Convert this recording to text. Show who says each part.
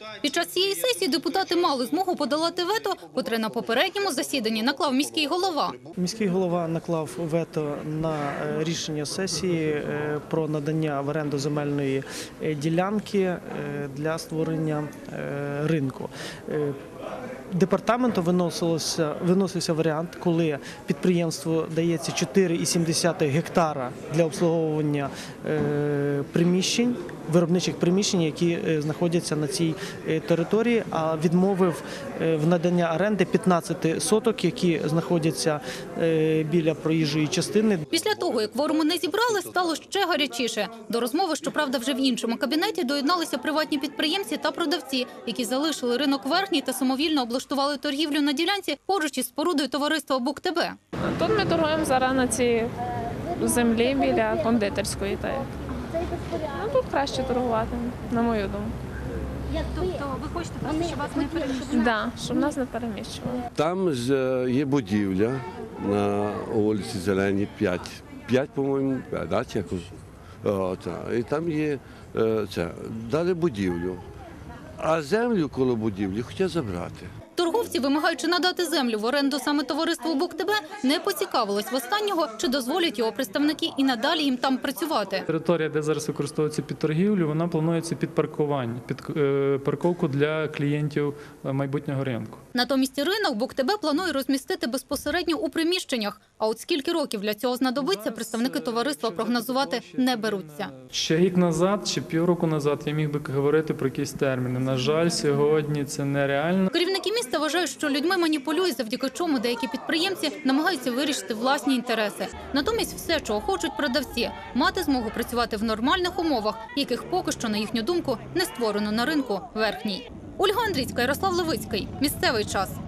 Speaker 1: Під час цієї сесії депутати мали змогу подолати вето, котре на попередньому засіданні наклав міський голова.
Speaker 2: Міський голова наклав вето на рішення сесії про надання в оренду земельної ділянки для створення ринку. Департаменту виносився варіант, коли підприємству дається 4,7 гектара для обслуговування приміщень, виробничих приміщень, які знаходяться на цій території, а відмовив в наданні оренди 15 соток, які знаходяться біля проїжджої частини.
Speaker 1: Після того, як кворуму не зібрали, стало ще гарячіше. До розмови, щоправда, вже в іншому кабінеті доєдналися приватні підприємці та продавці, які залишили ринок Верхній та самовільно облаштували торгівлю на ділянці поруч із спорудою товариства «БукТБ».
Speaker 3: Тут ми торгуємо зараз на цій землі біля кондитерської. Тут краще торгувати, на мою думку.
Speaker 1: Тобто ви хочете просто, щоб вас не переміщували?
Speaker 3: Так, щоб нас не переміщували.
Speaker 4: Там є будівля на вулиці Зеленій 5. 5, по-моєму, якось. І там є дали будівлю. А землю коло будівлі хотять забрати.
Speaker 1: Торговці, вимагаючи надати землю в оренду саме товариству «БукТБ», не поцікавились в останнього, чи дозволять його представники і надалі їм там працювати.
Speaker 5: Територія, де зараз використовується під торгівлю, вона планується під паркування, під парковку для клієнтів майбутнього ринку.
Speaker 1: Натомість ринок «БукТБ» планує розмістити безпосередньо у приміщеннях. А от скільки років для цього знадобиться, представники товариства прогнозувати не беруться.
Speaker 5: Ще рік назад чи півроку назад я міг би говорити про якісь терміни. На жаль, сьогодні це нереально.
Speaker 1: Керівники міста вважають, що людьми маніпулюють, завдяки чому деякі підприємці намагаються вирішити власні інтереси. Натомість все, чого хочуть продавці – мати змогу працювати в нормальних умовах, яких поки що, на їхню думку, не створено на ринку Верхній. Ольга Андрійська, Ярослав Левицький. Місцевий час.